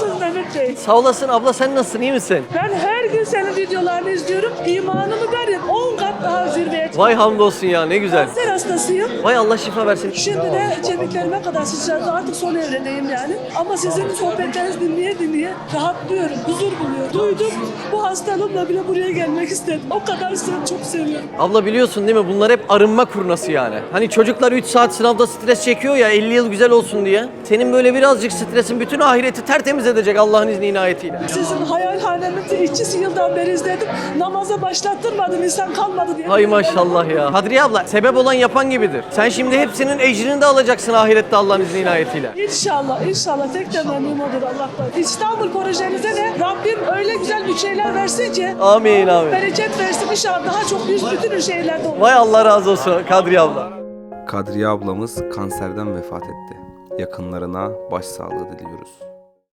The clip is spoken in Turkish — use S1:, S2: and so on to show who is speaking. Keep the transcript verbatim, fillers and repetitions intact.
S1: Nasılsınız Mehmet Bey?
S2: Sağ olasın abla, sen nasılsın, iyi misin?
S1: Ben her gün senin videolarını izliyorum. İmanımı var ya on kat daha zirveye çıktı.
S2: Vay hamdolsun ya, ne güzel.
S1: Kanser hastasıyım.
S2: Vay Allah şifa versin.
S1: Şimdi de kemiklerime kadar sıçradı. Artık son evredeyim yani. Ama sizin sohbetlerinizi dinleye dinleye rahatlıyorum, huzur buluyorum. Duydum, bu hastalığımla bile buraya gelmek istedim. O kadar seni çok seviyorum.
S2: Abla biliyorsun değil mi, bunlar hep arınma kurnası yani. Hani çocuklar üç saat sınavda stres çekiyor ya, elli yıl güzel olsun diye. Senin böyle birazcık stresin bütün ahireti tertemiz edecek Allah'ın izni inayetiyle.
S1: Sizin hayalhanemizde iki yıldan beri izledim. Namaza başlattırmadın, insan kalmadı diye.
S2: Hay maşallah ya. Kadriye abla, sebep olan yapan gibidir. Sen şimdi hepsinin ecrini de alacaksın ahirette Allah'ın izni inayetiyle.
S1: İnşallah, inşallah. Tek temennim odur Allah'tan. İstanbul projenize de Rabbim öyle güzel bir şeyler versin ki.
S2: Amin, amin.
S1: Bereket versin inşallah. Daha çok bir bütün şeylerde olur.
S2: Vay Allah razı olsun Kadriye abla.
S3: Kadriye ablamız kanserden vefat etti. Yakınlarına başsağlığı diliyoruz.